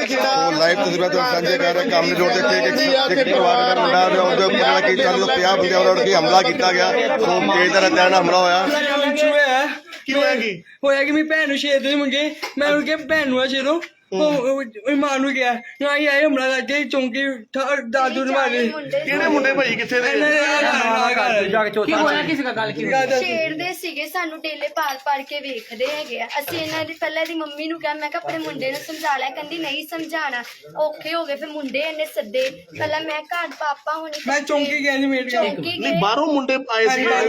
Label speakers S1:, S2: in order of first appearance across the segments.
S1: Live ਤਸਵੀਰਾਂ ਤੋਂ ਸਾਂਝੇ ਕਰ ਰਹੇ ਕਾਮਨੀ ਰੋਡ ਦੇ ਇੱਕ ਪਰਿਵਾਰ ਦਾ ਮੁੰਡਾ ਉਹਦੇ ਉੱਪਰ ਜਿਹੜਾ ਕਿ 40 ਤੋਂ 50 ਬੰਦਿਆਂ ਵੱਲੋਂ ਕਿ ਹਮਲਾ ਕੀਤਾ ਗਿਆ। ਸੋ ਤੇਜ਼ ਤਰ੍ਹਾਂ ਹਮਲਾ ਹੋਇਆ।
S2: ਕੀ ਹੋਇਆ ਕਿ ਮੇਰੀ ਭੈਣ ਨੂੰ ਛੇੜ ਦੇ ਮੁੰਡੇ, ਮੈਂ ਉਹਨੂੰ ਕਿਹਾ ਭੈਣ ਨੂੰ ਆ ਛੇੜੋ, ਉਹ ਮਾਂ ਨੂੰ ਗਿਆ ਨਾ ਹੀ ਆਏ ਹਮਲਾ ਕਰਕੇ ਚੌਂਕੀ ਦਾਦੂ ਨੂੰ ਮਾਰੇ।
S3: ਕਿਹੜੇ ਮੁੰਡੇ ਭਾਈ ਕਿੱਥੇ ਦੇ?
S4: ਛੇੜਦੇ ਸੀਗੇ ਸਾਨੂੰ, ਡੇਲੇ ਪਾਲ ਕੇ ਵੇਖਦੇ ਹੈਗੇ ਆ। ਅਸੀਂ ਇਹਨਾਂ ਦੀ ਪਹਿਲਾਂ ਦੀ ਮੰਮੀ ਨੂੰ ਕਿਹਾ, ਮੈਂ ਕਿਹਾ ਆਪਣੇ ਮੁੰਡੇ ਨੂੰ ਸਮਝਾ ਲਿਆ, ਕਹਿੰਦੀ ਨਹੀਂ ਸਮਝਾਣਾ, ਔਖੇ ਹੋ ਗਏ। ਫਿਰ ਮੁੰਡੇ ਇਹਨੇ ਸੱਦੇ, ਪਹਿਲਾਂ ਮੈਂ ਘਰ ਪਾਪਾ ਹੋਣੀ
S2: ਮੈਂ ਚੌਂਕੀ ਗਿਆ ਨਹੀਂ ਮੇਟ
S3: ਨਹੀਂ ਬਾਹਰੋਂ ਮੁੰਡੇ ਆਏ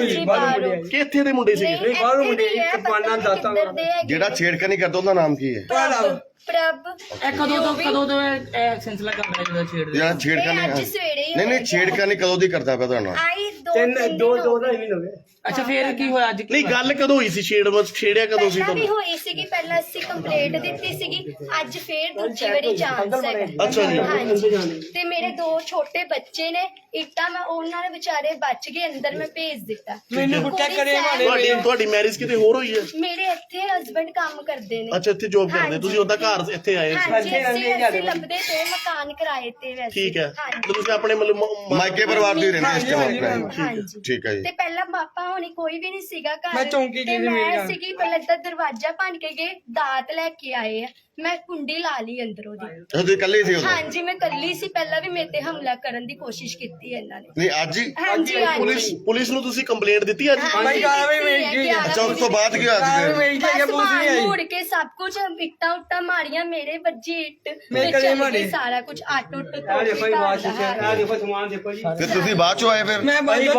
S3: ਸੀ ਕਿ ਇੱਥੇ ਦੇ ਮੁੰਡੇ ਸੀਗੇ?
S2: ਬਾਹਰੋਂ ਮੁੰਡੇ ਪਾਣਾ ਦਾਤਾ
S1: ਜਿਹੜਾ ਛੇੜਖਾਨੀ ਕਰਦਾ ਉਹਦਾ ਨਾਮ ਕੀ ਹੈ?
S4: ਪ੍ਰਭ।
S5: ਕਦੋਂ ਤੋਂ ਇਹ ਸਿਲਸਿਲਾ ਕੰਮ ਹੈ ਜਿਹੜਾ ਛੇੜਦੇ?
S1: ਜਿਹੜਾ ਛੇੜਖਾਨੀ
S4: ਅੱਜ ਸਵੇਰੇ ਹੀ
S1: ਨਹੀਂ ਛੇੜਖਾਨੀ ਕਦੋਂ ਦੀ ਕਰਦਾ ਪਿਆ ਤੁਹਾਡਾ?
S4: ਆਈ
S2: ਦੋ ਢਾਈ ਮਹੀਨੇ ਹੋ ਗਏ।
S5: ਅੱਛਾ ਫੇਰ ਕੀ ਹੋਇਆ ਅੱਜ?
S3: ਨਹੀਂ ਗੱਲ ਕਦੋਂ ਹੋਈ ਸੀ? ਛੇੜਿਆ ਕਦੋਂ ਸੀ
S4: ਪਹਿਲਾਂ ਵੀ
S3: ਤੁਹਾਨੂੰ?
S4: ਹੋਈ ਸੀਗੀ, ਪਹਿਲਾਂ ਅਸੀਂ ਕੰਪਲੇਂਟ ਦਿੱਤੀ ਸੀਗੀ, ਅੱਜ ਫੇਰ ਦੂਜੀ ਵਾਰੀ ਚਾਂਸ ਹੈਗਾ।
S3: ਅੱਛਾ ਜੀ।
S4: ਹਾਂਜੀ। ਤੇ ਮੇਰੇ 2 ਛੋਟੇ ਬੱਚੇ ਨੇ, ਇੱਟਾਂ ਮੈਂ ਉਹਨਾਂ ਦੇ ਵਿਚਾਰੇ ਬਚ ਗਏ, ਅੰਦਰ ਮੈਂ ਭੇਜ ਦਿੱਤਾ।
S2: ਮੈਨੂੰ ਗੁੱਟਾ ਕਰੇ
S3: ਤੁਹਾਡੀ ਮੈਰਿਜ ਕਿਤੇ ਹੋਰ ਹੋਈ ਹੈ?
S4: ਮੇਰੇ ਇੱਥੇ ਹਸਬੰਡ ਕੰਮ ਕਰਦੇ ਨੇ।
S3: ਅੱਛਾ ਇੱਥੇ ਜੋਬ ਕਰਦੇ, ਤੁਸੀਂ ਉਹਦਾ ਘਰ ਇੱਥੇ ਆਏ ਸੀ?
S4: ਹਾਂਜੀ ਅਸੀਂ ਲੱਭਦੇ ਤੇ ਮਕਾਨ ਕਿਰਾਏ ਤੇ ਵੈਸੇ।
S3: ਠੀਕ ਹੈ।
S4: ਹਾਂਜੀ।
S3: ਤੇ ਤੁਸੀਂ ਆਪਣੇ ਮਤਲਬ
S1: ਮਾਇਕੇ ਪਰਿਵਾਰ ਦੀ ਰਹਿੰਦੇ ਇਸ ਟਾਈਮ?
S4: ਹਾਂਜੀ।
S1: ਠੀਕ ਹੈ ਜੀ।
S4: ਤੇ ਪਹਿਲਾਂ ਪਾਪਾ ਹੋਣੀ ਕੋਈ ਵੀ ਨਹੀਂ ਸੀਗਾ ਘਰ।
S2: ਮੈਂ ਚੌਂਕੀ
S4: ਤੇ
S2: ਗਈ ਸੀ ਮੇਰੇ
S4: ਮੈਂ
S2: ਨਾਲ।
S4: ਸੀਗੀ, ਪਹਿਲਾਂ ਤਾਂ ਦਰਵਾਜ਼ਾ ਭੰਨ ਕੇ ਗਏ, ਦਾਤ ਲੈ ਕੇ ਆਏ ਆ, ਮੈਂ ਕੁੰਡੀ ਲਾ ਲਈ ਅੰਦਰੋਂ ਦੀ।
S1: ਤੁਸੀਂ ਇਕੱਲੇ ਸੀ ਉਦੋਂ?
S4: ਹਾਂਜੀ ਮੈਂ ਕੱਲੀ ਸੀ, ਪਹਿਲਾਂ ਵੀ ਮੇਰੇ ਤੇ ਹਮਲਾ ਕਰਨ ਦੀ ਕੋਸ਼ਿਸ਼ ਕੀਤੀ ਇਹਨਾਂ ਨੇ।
S1: ਨਹੀਂ ਅੱਜ ਹੀ?
S4: ਹਾਂਜੀ
S3: ਪੁਲਿਸ ਨੂੰ ਤੁਸੀਂ ਕੰਪਲੇਂਟ ਦਿੱਤੀ ਅੱਜ?
S2: ਭਾਈ ਗਾਲਾਂ ਵੀ ਮੇਰੀ ਗਈ।
S1: ਅੱਛਾ ਉਸ ਤੋਂ ਬਾਅਦ ਕੀ ਹੋਇਆ ਸੀ ਫਿਰ?
S2: ਮੇਰੀ ਜਗ੍ਹਾ
S4: ਬਸ
S2: ਪੁਲਿਸ ਨਹੀਂ ਆਈ।
S4: ਮੁੜ ਕੇ ਸਭ ਕੁਝ ਇੱਟਾਂ ਉੱਟਾਂ ਮਾਰੀਆਂ, ਮੇਰੇ ਵੱਜੀ ਇੱਟ,
S2: ਮੇਰੇ
S4: ਤੇ
S2: ਗਲੇ
S4: ਚੱਲ
S2: ਮਾਰੇ।
S4: ਗਈ ਸਾਰਾ ਕੁਝ ਆਟੋ ਉੱਟ
S2: ਆ ਦੇਖੋ ਜੀ ਵਾਸ਼ ਦੇਖੋ ਸਮਾਨ ਦੇਖੋ ਜੀ।
S1: ਫਿਰ ਤੁਸੀਂ ਬਾਅਦ ਚੋਂ ਆਏ ਫਿਰ?
S2: ਮੈਂ ਬਾਅਦ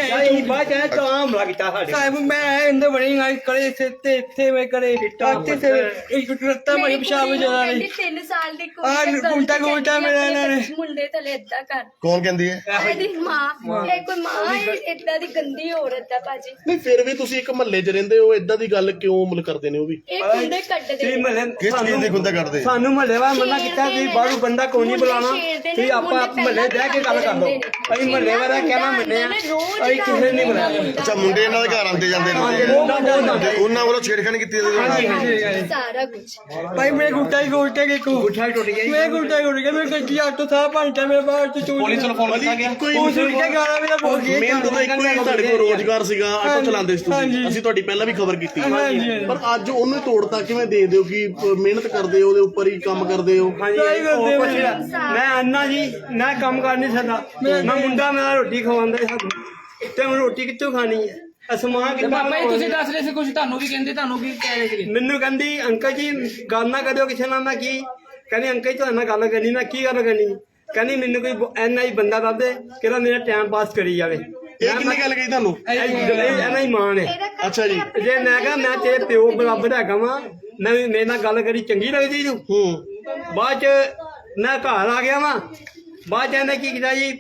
S2: ਆਇਆ ਤਾਂ ਹਮਲਾ ਕੀਤਾ ਸਾਡੇ ਸਾਹਿਬ। ਮੈਂ ਅੰਦਰ ਬੜੀ ਗਾਈ ਕਰੇ ਇੱਥੇ ਮੈਂ ਕਰੇ ਇੱਥੇ ਸੇ ਇੱਕ ਟੁੱਟਾ ਮਾਰੀ ਪਿਸ਼ਾਬ ਜਰਾ ਨਹੀਂ।
S4: 3 ਸਾਲ ਦੀ
S2: ਗੁੰਡਾ ਮੇਰਾ ਇਹਨਾਂ ਨੇ।
S4: ਮੁੰਡੇ ਤਲੇ ਏਦਾਂ ਕਰ।
S1: ਕੌਣ ਕਹਿੰਦੀ ਹੈ?
S4: ਇਹਦੀ ਮਾਂ, ਇਹ ਕੋਈ ਮਾਂ ਏਦਾਂ ਦੀ ਗੰਦੀ ਔਰਤ ਆ ਭਾਜੀ।
S3: ਨਹੀਂ ਫਿਰ ਵੀ ਤੁਸੀਂ ਇੱਕ ਮਹੱਲੇ 'ਚ ਰਹਿੰਦੇ ਹੋ, ਇਦਾਂ ਦੀ ਗੱਲ ਕਿਉਂ ਮਤਲਬ ਕਰਦੇ ਨੇ ਉਹ ਵੀ?
S4: ਇਹ ਕੁੰਡੇ ਕੱਢਦੇ
S1: ਕਿਸ ਚੀਜ਼ ਦੀ ਗੁੰਦਾ ਕਰਦੇ?
S2: ਸਾਨੂੰ ਮਹੱਲੇ ਵਾਲਾ ਮਨਾ ਕੀਤਾ ਵੀ ਬਾਹਰੋਂ ਬੰਦਾ ਕੋਈ ਨਹੀਂ ਬੁਲਾਣਾ, ਤੇ ਆਪਾਂ ਮਹੱਲੇ ਬਹਿ ਕੇ ਗੱਲ ਕਰ ਲਓ। ਅਸੀਂ ਮਹੱਲੇ ਵਾਲਾ ਕਹਿਣਾ ਮੰਨੇ ਆ, ਅਸੀਂ ਕਿਸੇ ਨਹੀਂ ਬੁਲਾਇਆ।
S1: ਅੱਛਾ ਮੁੰਡੇ ਇਹਨਾਂ ਦੇ ਘਰ ਆਉਂਦੇ ਜਾਂਦੇ ਨੇ, ਉਹਨਾਂ ਵੱਲੋਂ ਛੇੜਖਾਨੀ ਕੀਤੀ ਜਾਂਦੀ?
S4: ਸਾਰਾ ਕੁਝ
S2: ਭਾਈ ਮੇਰੇ ਗੁੱਟਾ ਹੀ ਗੁੱਟਾ ਟੁੱਟ ਗਿਆ। ਮੇਰੇ ਗੁੱਟਾ ਟੁੱਟ ਗਿਆ। ਮੇਰੇ ਗੱਡੀ ਆਟੋ ਸਾਹ ਭੰਟਾ ਮੇਰੇ ਬਾਹਰ ਤੋਂ ਚੋਰੀ।
S3: ਪੁਲਿਸ ਨੂੰ ਫੋਨ ਕੀਤਾ ਗਿਆ?
S2: ਪੁਲਿਸ ਨੂੰ ਕਿਹਾ ਗਾਲਾਂ ਵੀ ਨਾ ਬੋਲ ਕੇ।
S3: ਮਿਹਨਤ ਦਾ ਇੱਕੋ ਹੀ ਤੁਹਾਡੇ ਕੋਲ ਰੋਜ਼ਗਾਰ ਸੀਗਾ, ਆਟੋ ਚਲਾਉਂਦੇ ਸੀ ਤੁਸੀਂ, ਅਸੀਂ ਤੁਹਾਡੀ ਪਹਿਲਾਂ ਵੀ ਖਬਰ ਕੀਤੀ। ਪਰ ਅੱਜ ਉਹਨੂੰ ਤੋੜਤਾ ਕਿਵੇਂ ਦੇ ਦਿਓ ਕਿ ਮਿਹਨਤ ਕਰਦੇ ਹੋ, ਉਹਦੇ ਉੱਪਰ ਹੀ ਕੰਮ ਕਰਦੇ ਹੋ?
S2: ਮੈਂ ਅੰਨਾ ਜੀ ਮੈਂ ਕੰਮ ਕਰ ਨਹੀਂ ਸਕਦਾ। ਮੈਂ ਮੁੰਡਾ ਮੇਰਾ ਰੋਟੀ ਖਵਾਉਂਦਾ ਸਾਨੂੰ, ਤੇ ਹੁਣ ਰੋਟੀ ਕਿੱਥੋਂ ਖਾਣੀ ਹੈ? ਅਸਮਾਨ ਕਿੱਦਾਂ?
S5: ਬਾਬਾ ਜੀ ਤੁਸੀਂ ਦੱਸ ਰਹੇ ਸੀ ਕੁਝ, ਤੁਹਾਨੂੰ ਵੀ ਕਹਿੰਦੇ, ਤੁਹਾਨੂੰ ਕੀ ਕਹਿ ਰਹੇ ਸੀਗੇ?
S2: ਮੈਨੂੰ ਕਹਿੰਦੀ ਅੰਕਲ ਜੀ ਗੱਲ ਨਾ ਕਰਿਓ ਕਿਸੇ ਨਾਲ। ਮੈਂ ਕੀ ਕਹਿੰਦੀ ਅੰਕਲ ਜੀ ਤੁਹਾਡੇ ਨਾਲ ਗੱਲ ਕਰਨੀ। ਮੈਂ ਕੀ ਗੱਲ ਕਰਨੀ? ਕਹਿੰਦੀ ਮੈਨੂੰ ਕੋਈ ਐਨਾ ਹੀ ਬੰਦਾ ਦੱਸ ਦੇ ਕਿਹੜਾ ਮੇਰਾ ਟਾਈਮ ਪਾਸ ਕਰੀ ਜਾਵੇ।
S3: ਇਹ ਕਿੰਨੀ ਗੱਲ ਕਹੀ ਤੁਹਾਨੂੰ?
S2: ਐਨਾ ਹੀ ਮਾਂ ਨੇ।
S3: ਅੱਛਾ ਜੀ।
S2: ਜੇ ਮੈਂ ਕਿਹਾ ਮੈਂ ਤੇਰੇ ਪਿਓ ਬਰਾਬਰ ਹੈਗਾ ਵਾਂ, ਮੈਂ ਮੇਰੇ ਨਾਲ ਗੱਲ ਕਰੀ ਚੰਗੀ ਲੱਗਦੀ ਤੂੰ? ਬਾਅਦ ਚ ਮੈਂ ਘਰ ਆ ਗਿਆ ਵਾਂ। ਬਾਅਦ ਚ ਇਹਨੇ ਕੀ ਕੀਤਾ ਜੀ,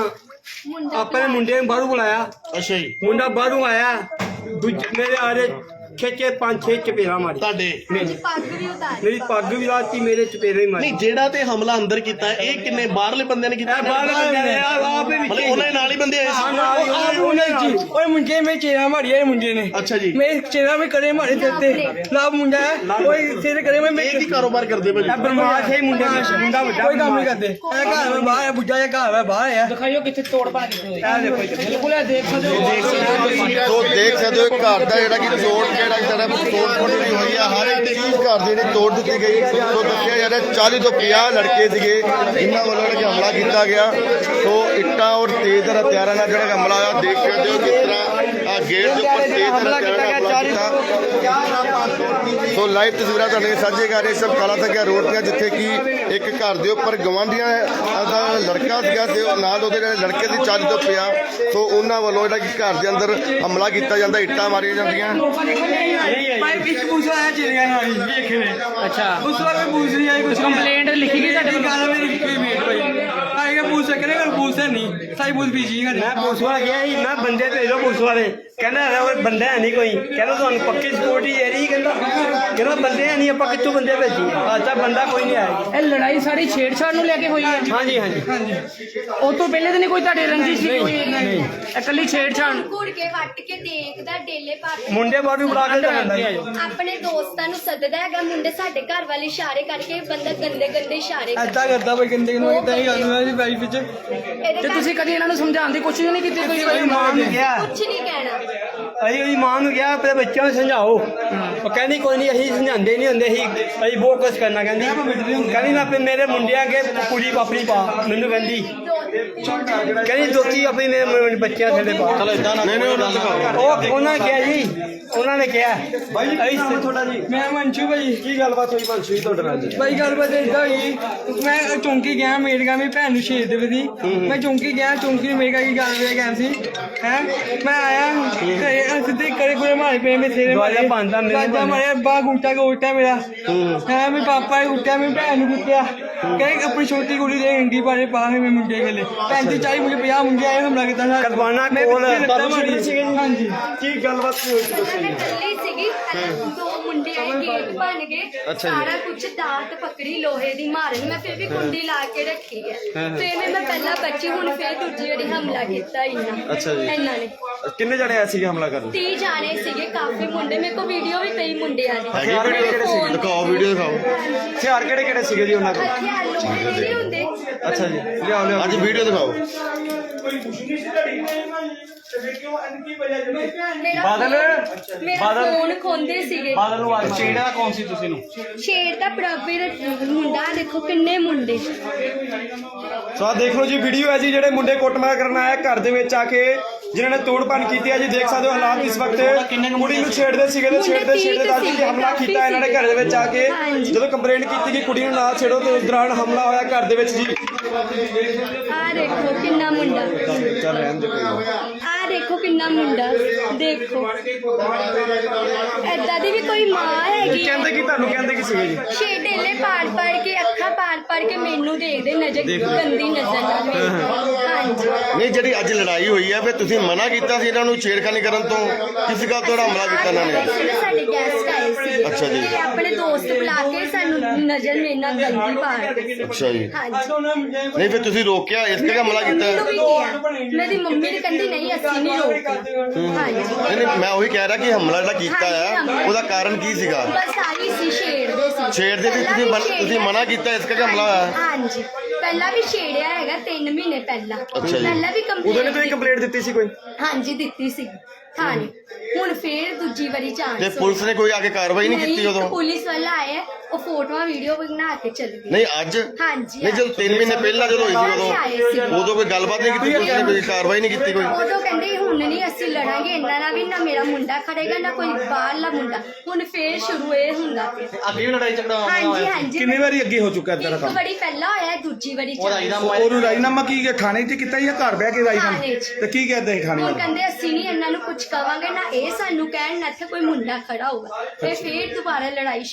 S2: ਆਪਣੇ ਮੁੰਡੇ ਨੂੰ ਬਾਹਰੋਂ ਬੁਲਾਇਆ।
S3: ਅੱਛਾ ਜੀ।
S2: ਮੁੰਡਾ ਬਾਹਰੋਂ ਆਇਆ, ਦੂਜੇ ਮੇਰੇ ਆਰੇ ਖੇਚੇ 5-6 ਚਪੇੜਾ ਮਾਰੀ
S3: ਤੁਹਾਡੇ?
S4: ਪੱਗ ਵੀ ਉਤਾਰ।
S2: ਮੇਰੀ ਪੱਗ ਵੀ ਲਾਤੀ, ਮੇਰੇ ਚਪੇੜੇ ਹੀ ਮਾਰੀ।
S3: ਨਹੀਂ ਜਿਹੜਾ ਤੇ ਹਮਲਾ ਅੰਦਰ ਕੀਤਾ ਇਹ ਕਿੰਨੇ ਬਾਹਰਲੇ ਬੰਦਿਆਂ ਨੇ ਕੀਤਾ?
S2: ਬਾਹਰ ਬੰਦੇ ਨੇ ਆਪ ਹੀ
S3: ਮਤਲਬ ਉਹਨਾਂ ਦੇ ਨਾਲ ਹੀ ਬੰਦੇ ਆਏ ਸੀ?
S2: ਓਏ ਮੁੰਡੇ ਮੇ ਚੇਰਾ ਮਾਰਿਆ ਮੁੰਡੇ ਨੇ।
S3: ਅੱਛਾ ਜੀ।
S2: ਮੇਰੇ ਚੇਰਾ ਮੇ ਕਰੇ ਮਾਰੇ ਤੇ ਲਾਭ ਮੁੰਡਾ ਹੈ। ਓਏ ਤੇਰੇ ਕਰੇ ਮੈਂ
S3: ਇਹ ਕੀ ਕਾਰੋਬਾਰ ਕਰਦੇ ਭਾਜੀ?
S2: ਬਰਮਾਸ਼ ਹੈ ਮੁੰਡਾ ਵੱਡਾ, ਕੋਈ ਕੰਮ ਨਹੀਂ ਕਰਦੇ। ਇਹ ਘਰ ਮੈਂ ਬਾਹਰ ਬੁੱਢਾ ਜਿਹਾ ਘਰ ਹੈ, ਬਾਹਰ ਆ।
S5: ਦਿਖਾਇਓ ਕਿੱਥੇ ਤੋੜ ਪਾ ਕਿੱਥੇ ਹੋਈ।
S2: ਇਹ ਦੇਖੋ
S5: ਬਿਲਕੁਲ ਇਹ ਦੇਖ ਸਕਦੇ ਹੋ।
S1: ਤੋ ਦੇਖ ਸਕਦੇ ਹੋ ਘਰ ਦਾ ਜਿਹੜਾ ਕਿ ਤੋੜ ਤੋੜ ਫੋੜ ਵੀ ਹੋਈ ਆ। ਹਰ ਇੱਕ ਚੀਜ਼ ਘਰ ਦੀ ਜਿਹੜੀ ਤੋੜ ਦਿੱਤੀ ਗਈ। ਸੋ ਦੱਸਿਆ ਜਾ ਰਿਹਾ 40 ਤੋਂ 50 ਲੜਕੇ ਸੀਗੇ ਜਿਨ੍ਹਾਂ ਵੱਲੋਂ ਜਿਹੜਾ ਕਿ ਹਮਲਾ ਕੀਤਾ ਗਿਆ। ਸੋ ਇੱਟਾਂ ਔਰ ਤੇਜ਼ ਹਥਿਆਰਾਂ ਨਾਲ ਜਿਹੜਾ ਹਮਲਾ ਹੋਇਆ। ਦੇਖ ਸਕਦੇ ਹੋ ਕਿਸ ਤਰ੍ਹਾਂ ਗੇਟ ਦੇ ਉੱਪਰ ਤੇਜ਼ ਹਥਿਆਰਾਂ ਨਾਲ ਹਮਲਾ ਕੀਤਾ। ਸੋ ਲਾਈਵ ਤਸਵੀਰਾਂ ਤੁਹਾਡੇ ਨਾਲ ਸਾਂਝੇ ਕਰ ਰਹੇ ਸਭ ਕਾਲਾ ਤੱਕਿਆ ਰੋਡ ਦੀਆਂ, ਜਿੱਥੇ ਕਿ ਇੱਕ ਘਰ ਦੇ ਉੱਪਰ ਗਵਾਂਢੀਆਂ ਦਾ ਲੜਕਾ ਸੀਗਾ ਤੇ ਨਾਲ ਉਹਦੇ ਜਿਹੜੇ ਲੜਕੇ ਸੀ 40 ਤੋਂ 50। ਸੋ ਉਹਨਾਂ ਵੱਲੋਂ ਜਿਹੜਾ ਕਿ ਘਰ ਦੇ ਅੰਦਰ ਹਮਲਾ ਕੀਤਾ ਜਾਂਦਾ, ਇੱਟਾਂ ਮਾਰੀਆਂ ਜਾਂਦੀਆਂ।
S2: ਭਾਈ ਕਿਸ ਪੁੱਛ ਆਇਆ ਚਿੜੀਆਂ ਨਾਲ ਦੇਖਣੇ।
S5: ਅੱਛਾ
S2: ਉਸ ਵਾਰ ਮੈਂ ਪੁੱਛ ਰਹੀ ਆਈ ਕੁਝ
S5: ਕੰਪਲੇਂਟ ਲਿਖੀ ਗਈ ਤੁਹਾਡੇ?
S2: ਗੱਲ ਮੇਰੀ ਕੋਈ ਵੇਟ ਭਾਈ ਆਏਗਾ ਪੁੱਛ
S6: ਕਹਿੰਦੇ ਕਰ ਪੁਲਿਸ ਹੈ ਨਹੀਂ ਸਾਈ ਪੁਲਿਸ ਬੀਜੀ ਹੈ
S2: ਮੈਂ ਪੁਲਿਸ ਵਾਲਾ ਗਿਆ ਸੀ, ਮੈਂ ਬੰਦੇ ਭੇਜੋ ਪੁਲਿਸ ਵਾਲੇ, ਕਹਿੰਦਾ ਹੈਗਾ ਕੋਈ ਬੰਦਾ ਹੈ ਨਹੀਂ ਕੋਈ, ਕਹਿੰਦਾ ਤੁਹਾਨੂੰ ਪੱਕੀ ਸਿਕਿਉਰਿਟੀ ਦੇ ਰਹੀ, ਕਹਿੰਦਾ ਬੰਦੇ ਹੈ ਨਹੀਂ, ਆਪਾਂ ਕਿੱਥੋਂ ਬੰਦੇ ਭੇਜੀ, ਅੱਜ ਤੱਕ ਬੰਦਾ ਕੋਈ ਨਹੀਂ ਆਇਆ।
S5: ਇਹ ਲੜਾਈ ਸਾਰੀ ਛੇੜਛਾੜ ਨੂੰ ਲੈ ਕੇ ਹੋਈ ਹੈ?
S2: ਹਾਂਜੀ ਹਾਂਜੀ
S5: ਉਹ ਤੋਂ ਪਹਿਲੇ ਤਾਂ ਨਹੀਂ ਕੋਈ ਤੁਹਾਡੇ ਰੰਜਿਸ਼ ਸੀ ਕੋਈ? ਨਹੀਂ, ਇਕੱਲੀ ਛੇੜਛਾੜ।
S4: ਘੁੜ ਕੇ ਵੱਟ ਕੇ ਦੇਖਦਾ ਡੇਲੇ ਪਾ ਕੇ
S2: ਮੁੰਡੇ ਬਾਹਰ ਵੀ ਬੁਲਾ ਕੇ ਲਿਆਂਦਾ।
S4: ਆਪਣੇ ਦੋਸਤਾਂ ਨੂੰ ਸੱਦਦਾ ਹੈਗਾ, ਮੁੰਡੇ ਸਾਡੇ ਘਰ ਵਾਲੇ ਇਸ਼ਾਰੇ ਕਰਕੇ ਬੰਦਾ ਗੰਦੇ ਗੰਦੇ ਇਸ਼ਾਰੇ
S6: ਐਦਾਂ ਕਰਦਾ ਬਈ ਗੰਦੇ ਨੂੰ ਇਦਾਂ ਹੀ ਆਉਂਦਾ ਸੀ ਬਾਈ ਵਿੱਚ।
S5: ਤੇ ਤੁਸੀਂ ਕਦੀ ਇਹਨਾਂ ਨੂੰ ਸਮਝਾਉਣ ਦੀ ਕੋਸ਼ਿਸ਼ ਨਹੀਂ ਕੀਤੀ? ਕੋਈ
S2: ਉਹਦੀ ਮਾਂ ਨੂੰ ਕਿਹਾ,
S4: ਕੁਝ ਨਹੀਂ ਕਹਿਣਾ।
S2: ਅਸੀਂ ਉਹਦੀ ਮਾਂ ਨੂੰ ਕਿਹਾ ਆਪਣੇ ਬੱਚਿਆਂ ਨੂੰ ਸਮਝਾਓ, ਉਹ ਕਹਿੰਦੀ ਕੋਈ ਨਹੀਂ ਅਸੀਂ ਸਮਝਾਉਂਦੇ ਨਹੀਂ ਹੁੰਦੇ, ਅਸੀਂ ਬਹੁਤ ਕੁਛ ਕਰਨਾ, ਕਹਿੰਦੀ ਮੈਂ ਆਪਣੇ ਮੇਰੇ ਮੁੰਡਿਆਂ ਅੱਗੇ ਕੁੜੀ ਆਪਣੀ ਪਾ, ਮੈਨੂੰ ਕਹਿੰਦੀ ਦੋਤੀ ਆਪਣੀ ਮੇਰੇ ਬੱਚਿਆਂ ਥੱਲੇ ਪਾ।
S3: ਚਲੋ ਇਦਾਂ ਨਾ
S2: ਉਹ ਉਹਨਾਂ ਨੇ ਕਿਹਾ ਜੀ, ਉਹਨਾਂ ਨੇ ਕਿਹਾ
S6: ਬਾਈ ਜੀ ਤੁਹਾਡਾ ਜੀ? ਮੈਂ ਮੰਸ਼ੂ ਭਾਈ।
S1: ਕੀ ਗੱਲਬਾਤ ਹੋਈ ਮਨਸ਼ੂ ਜੀ ਤੁਹਾਡੇ ਨਾਲ ਜੀ?
S6: ਬਾਈ ਗੱਲਬਾਤ ਏਦਾਂ ਹੋਈ, ਮੈਂ ਚੌਂਕੀ ਗਿਆ, ਮੇਰੀ ਗਾ ਮੇਰੀ ਭੈਣ ਨੂੰ ਸ਼ਹੀਦ ਦੇ ਵਦੀ, ਮੈਂ ਚੌਂਕੀ ਗਿਆ, ਚੌਂਕੀ ਨੂੰ ਮੇਰੀ ਗਾ ਕੀ ਗੱਲ ਵੇ ਗਿਆ ਸੀ ਹੈ, ਮੈਂ ਆਇਆ ਤੇ ਸਿੱਧੇ ਕਰੇ ਕੋਲੇ ਮਾਰੇ ਪਏ ਮੇਰੇ ਸਿਰੇ
S2: ਦੁਆਲੇ ਪਾਉਂਦਾ ਮੇਰੇ
S6: ਮਾਰਿਆ ਬਾਹ ਗੁੱਟਾ ਗੋਟਾ ਮੇਰਾ ਹੈ, ਮੇਰੇ ਪਾਪਾ ਨੇ ਗੁੱਟਿਆ, ਮੇਰੀ ਭੈਣ ਨੂੰ ਗੁੱਟਿਆ, ਕਹਿੰਦੇ ਆਪਣੀ ਛੋਟੀ ਕੁੜੀ ਦੇ ਅੰਗੀ ਪਾਰੇ ਪਾ ਕੇ ਮੇਰੇ ਮੁੰਡੇ ਗਲੇ 35 40 ਮੁੰਡੇ 50 ਮੁੰਡੇ ਆਏ ਹਮਲਾ ਕੀਤਾ ਸਾਡਾ।
S2: ਕਰਵਾਨਾ
S6: ਮੈਂ
S2: ਕੋਲ
S6: ਪਿੱਛੇ ਲੱਤਾਂ ਮਾਰੀਆਂ। ਹਾਂਜੀ
S1: ਕੀ ਗੱਲਬਾਤ ਹੋਈ ਸੀ ਦੱਸੋ
S4: ਮੈਂ
S1: ਜੀ?
S4: ਇਕੱਲੀ ਸੀਗੀ, ਦੋ ਮੁੰਡੇ ਆਏ, ਗੇਟ ਬਣ ਗਏ,
S1: ਅੱਛਾ ਜੀ।
S4: ਸਾਰਾ ਕੁਝ ਦਾਤ ਪਕੜੀ ਲੋਹੇ ਦੀ ਮਾਰਨ, ਮੈਂ ਫਿਰ ਵੀ ਕੁੰਡੀ ਲਾ ਕੇ ਰੱਖੀ ਹੈ। ਫਿਰ ਮੈਂ ਪਹਿਲਾਂ ਬੱਚੀ, ਹੁਣ ਫਿਰ ਦੂਜੀ ਵਾਰੀ ਹਮਲਾ ਕੀਤਾ
S1: ਅੱਛਾ ਜੀ।
S4: ਇਹਨਾਂ ਨੇ।
S1: ਕਿੰਨੇ ਜਣੇ ਆਏ ਸੀਗੇ ਹਮਲਾ ਕਰਨ?
S4: 30 ਜਾਣੇ ਸੀਗੇ, ਕਾਫੀ ਮੁੰਡੇ, ਮੇਰੇ ਕੋਲ ਵੀਡੀਓ ਵੀ ਪਈ ਮੁੰਡਿਆਂ ਦੀ।
S1: ਹੈਗੀ ਵੀਡੀਓ ਕਿਹੜੇ ਸੀਗੇ? ਦਿਖਾਓ ਵੀਡੀਓ ਦਿਖਾਓ। ਹਥਿਆਰ ਕਿਹੜੇ ਕਿਹੜੇ ਸੀਗੇ ਜੀ ਉਹਨਾਂ ਕੋਲ?
S4: ਹਥਿਆਰ ਲੋਹੇ ਦੇ ਨਹੀਂ ਹੁੰਦੇ।
S1: ਅੱਛਾ ਜੀ, ਲਿਆਓ ਲਿਆਓ ਅੱਜ ਵੀਡੀਓ ਦਿਖਾਓ।
S4: ਮੇਰਾ ਫੋਨ ਖੋਂਦੇ ਸੀਗੇ।
S3: ਛੇੜਿਆ ਕੌਣ ਸੀ ਤੁਸੀਂ ਨੂੰ?
S4: ਸ਼ੇਰ ਦਾ ਪ੍ਰਭੇ ਮੁੰਡਾ, ਦੇਖੋ ਕਿੰਨੇ ਮੁੰਡੇ।
S7: ਸੋ ਆਹ ਦੇਖ ਲਓ ਜੀ ਵੀਡੀਓ ਹੈ ਜੀ, ਜਿਹੜੇ ਮੁੰਡੇ ਕੁੱਟਮਾਰ ਕਰਨ ਆਇਆ ਘਰ ਦੇ ਵਿੱਚ ਆ ਕੇ, ਜਿਨ੍ਹਾਂ ਨੇ ਤੋੜ-ਭੰਨ ਕੀਤੀ ਹੈ ਜੀ। ਦੇਖ ਸਕਦੇ ਹੋ ਹਾਲਾਤ ਇਸ ਵਕਤ, ਕੁੜੀ ਨੂੰ ਛੇੜਦੇ ਸੀਗੇ ਤੇ ਛੇੜਦੇ ਬਾਅਦ ਜੀ ਹਮਲਾ ਕੀਤਾ ਇਹਨਾਂ ਨੇ ਘਰ ਦੇ ਵਿੱਚ ਆ ਕੇ। ਜਦੋਂ ਕੰਪਲੇਂਟ ਕੀਤੀ ਕਿ ਕੁੜੀ ਨੂੰ ਨਾ ਛੇੜੋ ਤੇ ਉਸ ਦੌਰਾਨ ਹਮਲਾ ਹੋਇਆ ਘਰ ਦੇ ਵਿੱਚ ਜੀ।
S4: ਆ ਦੇਖੋ ਕਿੰਨਾ ਮੁੰਡਾ,
S1: ਚੱਲ ਰਹਿਣ ਦੇ ਕੋਈ ਨਾ।
S4: ਆ ਦੇਖੋ ਕਿੰਨਾ ਮੁੰਡਾ, ਦੇਖੋ ਏਦਾਂ ਦੀ ਵੀ ਕੋਈ ਮਾਂ ਹੈਗੀ।
S7: ਕਹਿੰਦੇ ਕਿ ਤੁਹਾਨੂੰ ਕਹਿੰਦੇ ਕਿ ਸੀਗੇ ਜੀ?
S4: ਛੇ ਢੇਲੇ ਪਾੜ ਕੇ, ਅੱਖਾਂ ਪਾੜ ਕੇ ਮੈਨੂੰ ਦੇਖਦੇ, ਨਜ਼ਰ ਗੰਦੀ ਨਜ਼ਰ ਨਾਲ ਵੇਖਦੇ। ਹਾਂਜੀ
S1: ਨਹੀਂ ਜਿਹੜੀ ਅੱਜ ਲੜਾਈ ਹੋਈ ਹੈ ਫਿਰ ਤੁਸੀਂ ਮਨਾ ਕੀਤਾ ਸੀ ਇਹਨਾਂ ਨੂੰ ਛੇੜਖਾਨੀ ਕਰਨ ਤੋਂ, ਕਿਸ ਗੱਲ ਤੋਂ ਹਮਲਾ ਕੀਤਾ ਇਹਨਾਂ ਨੇ?
S4: ਸਾਡੇ ਗੈਸਟ ਆਏ ਸੀ।
S1: ਅੱਛਾ ਜੀ।
S4: ਤੇ ਆਪਣੇ ਦੋਸਤ ਬੁਲਾ ਕੇ ਸਾਨੂੰ ਨਜ਼ਰ ਮੇਰੇ ਨਾਲ ਗੰਦੀ ਪਾੜ।
S1: ਅੱਛਾ ਜੀ।
S4: ਹਾਂਜੀ
S1: ਨਹੀਂ ਫਿਰ ਤੁਸੀਂ ਰੋਕਿਆ, ਇਸ ਕਰਕੇ ਹਮਲਾ ਕੀਤਾ?
S4: ਮੈਨੂੰ ਵੀ ਕਿਹਾ, ਮੇਰੀ ਮੰਮੀ ਨੇ ਕਹਿੰਦੀ ਨਹੀਂ ਅਸੀਂ ਨਹੀਂ ਰੋਕਦੇ। ਹਾਂਜੀ
S1: ਨਹੀਂ ਨਹੀਂ, ਮੈਂ ਉਹੀ ਕਹਿ ਰਿਹਾ ਕਿ ਹਮਲਾ ਜਿਹੜਾ ਕੀਤਾ ਹੈ ਉਹਦਾ ਕਾਰਨ ਕੀ ਸੀਗਾ?
S4: ਬਸ ਆਹੀ ਸੀ, ਛੇੜਦੇ ਸੀ।
S1: ਛੇੜਦੇ ਸੀ, ਤੁਸੀਂ ਮਨਾ ਕੀਤਾ ਇਸ ਕਰਕੇ ਹਮਲਾ ਹੋਇਆ?
S4: ਹਾਂਜੀ ਪਹਿਲਾਂ ਵੀ ਛੇੜਿਆ ਹੈਗਾ 3 ਮਹੀਨੇ ਪਹਿਲਾਂ।
S1: ਅੱਛਾ ਜੀ।
S4: ਪਹਿਲਾਂ ਵੀ
S7: ਉਦੋਂ ਨੇ ਤੁਸੀਂ ਕੰਪਲੇਂਟ ਦਿੱਤੀ ਸੀ ਕੋਈ?
S4: ਹਾਂਜੀ ਦਿੱਤੀ ਸੀ ਥਾਣੇ, ਹੁਣ ਫੇਰ ਦੂਜੀ ਵਾਰੀ ਚਾਂਸ।
S1: ਤੇ ਪੁਲਿਸ ਨੇ ਕੋਈ ਆ ਕੇ ਕਾਰਵਾਈ ਨਹੀਂ ਕੀਤੀ ਉਦੋਂ?
S4: ਪੁਲਿਸ ਵਾਲਾ ਆਇਆ, ਉਹ ਫੋਟੋਆਂ ਵੀਡੀਓ ਬਣਾ ਕੇ ਚਲੇ ਗਏ।
S1: ਨਹੀਂ ਅੱਜ?
S4: ਹਾਂਜੀ
S1: ਨਹੀਂ ਜਦੋਂ 3 ਮਹੀਨੇ ਪਹਿਲਾਂ ਜਦੋਂ ਹੋਈ ਸੀ ਉਦੋਂ ਕੋਈ ਗੱਲਬਾਤ ਨਹੀਂ ਕੀਤੀ ਪੁਲਿਸ ਨੇ, ਕੋਈ ਕਾਰਵਾਈ ਨਹੀਂ ਕੀਤੀ ਕੋਈ?
S4: ਉਦੋਂ ਕਹਿੰਦੇ ਹੁਣ ਨਹੀਂ ਅਸੀਂ ਲੜਾਂਗੇ ਇਹਨਾਂ ਨਾਲ ਵੀ, ਨਾ ਮੇਰਾ ਮੁੰਡਾ ਖੜੇਗਾ ਨਾ ਕੋਈ ਬਾਹਰਲਾ ਮੁੰਡਾ। ਹੁਣ ਫੇਰ ਸ਼ੁਰੂ ਇਹ ਹੁੰਦਾ ਪਿਆ।
S3: ਅੱਗੇ ਵੀ ਲੜਾਈ ਝਗੜਾ
S4: ਹਾਂਜੀ ਹਾਂਜੀ
S7: ਕਿੰਨੀ ਵਾਰੀ ਅੱਗੇ ਹੋ ਚੁੱਕਾ ਇਦਾਂ ਦਾ
S4: ਇੱਕ
S7: ਕੰਮ?
S4: ਵਾਰੀ ਪਹਿਲਾਂ ਹੋਇਆ, ਦੂਜੀ ਵਾਰੀ
S7: ਉਹਨੂੰ ਰਾਜੀਨਾਮਾ ਕੀ ਥਾਣੇ 'ਚ ਕੀਤਾ ਜਾਂ ਘਰ ਬਹਿ ਕੇ ਰਾਜੀਨਾਮਾ?
S4: ਥਾਣੇ 'ਚ।
S7: ਤੇ ਕੀ ਕਹਿੰਦੇ ਥਾਣੇ
S4: ਹੁਣ
S7: ਵਾਲੇ?
S4: ਕਹਿੰਦੇ ਅਸੀਂ ਨਹੀਂ ਇਹਨਾਂ ਨੂੰ ਕੁਝ ਕਵਾਂਗੇ, ਨਾ ਇਹ ਸਾਨੂੰ ਕਹਿਣ, ਨਾ ਇੱਥੇ ਕੋਈ ਮੁੰਡਾ ਖੜਾ ਹੋਊਗਾ। ਫੇਰ ਦੁਬਾਰਾ ਲੜਾਈ